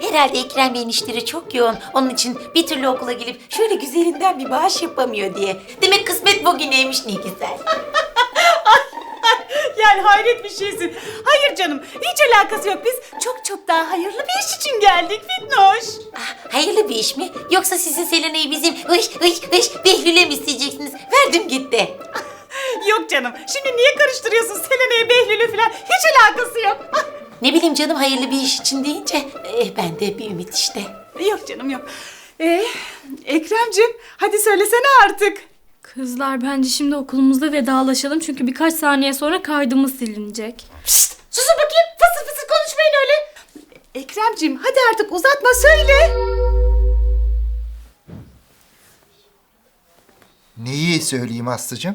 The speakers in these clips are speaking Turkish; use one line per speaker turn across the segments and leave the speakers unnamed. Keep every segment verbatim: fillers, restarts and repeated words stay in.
Herhalde Ekrem Bey'in işleri çok yoğun. Onun için bir türlü okula gelip şöyle güzelinden bir bağış yapamıyor diye. Demek kısmet bugüneymiş, ne güzel.
Yani hayret bir şeysin. Hayır canım, hiç alakası yok. Biz çok çok daha hayırlı bir iş için geldik Fitnoş.
Ah, hayırlı bir iş mi? Yoksa sizin Selena'yı bizim hış hış hış Behlül'e mi isteyeceksiniz? Verdim gitti.
Yok canım, şimdi niye karıştırıyorsun Selena'yı, Behlül'ü falan? Hiç alakası yok.
Ne bileyim canım, hayırlı bir iş için deyince eh, ben de bir ümit işte.
Yok canım yok. Ee, Ekrem'cim hadi söylesene artık.
Kızlar bence şimdi okulumuzda vedalaşalım çünkü birkaç saniye sonra kaydımız silinecek.
Pişt, susun bakayım, fısır fısır konuşmayın öyle. Ekrem'cim hadi artık uzatma, söyle.
Neyi söyleyeyim Aslı'cığım?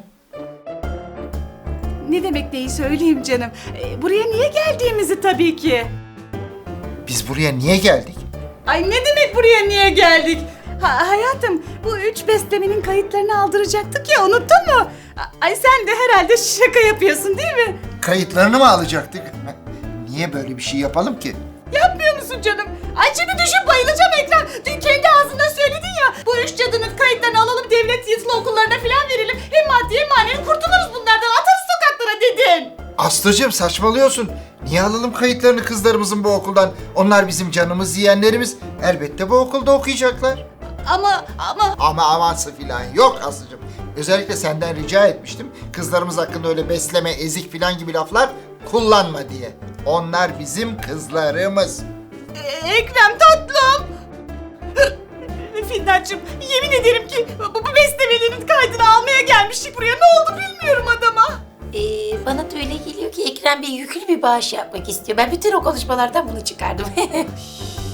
Ne demek neyi söyleyeyim canım. Ee, buraya niye geldiğimizi tabii ki.
Biz buraya niye geldik?
Ay ne demek buraya niye geldik? Ha, hayatım bu üç beslemenin kayıtlarını aldıracaktık ya, unuttun mu? Ay sen de herhalde şaka yapıyorsun değil mi?
Kayıtlarını mı alacaktık? Niye böyle bir şey yapalım ki?
Yapmıyor musun canım? Ay şimdi düşüp bayılacağım Ekrem. Dün kendi ağzından söyledin ya. Bu üç cadının kayıtlarını alalım, devlet yatılı okullarına falan verelim. Hem maddi hem manevi kurtuluruz bunlardan. Atarız sokaklara dedin.
Aslı'cığım saçmalıyorsun. Niye alalım kayıtlarını kızlarımızın bu okuldan? Onlar bizim canımız, yeğenlerimiz. Elbette bu okulda okuyacaklar.
Ama ama
Ama aması filan yok Aslı'cığım. Özellikle senden rica etmiştim. Kızlarımız hakkında öyle besleme, ezik filan gibi laflar kullanma diye. Onlar bizim kızlarımız.
e, Ekrem tatlım. Finnacığım yemin ederim ki bu, bu beslemelerin kaydını almaya gelmiştik buraya. Ne oldu bilmiyorum adama.
Ee, bana da öyle geliyor ki Ekrem Bey yüklü bir bağış yapmak istiyor. Ben bütün o konuşmalardan bunu çıkardım.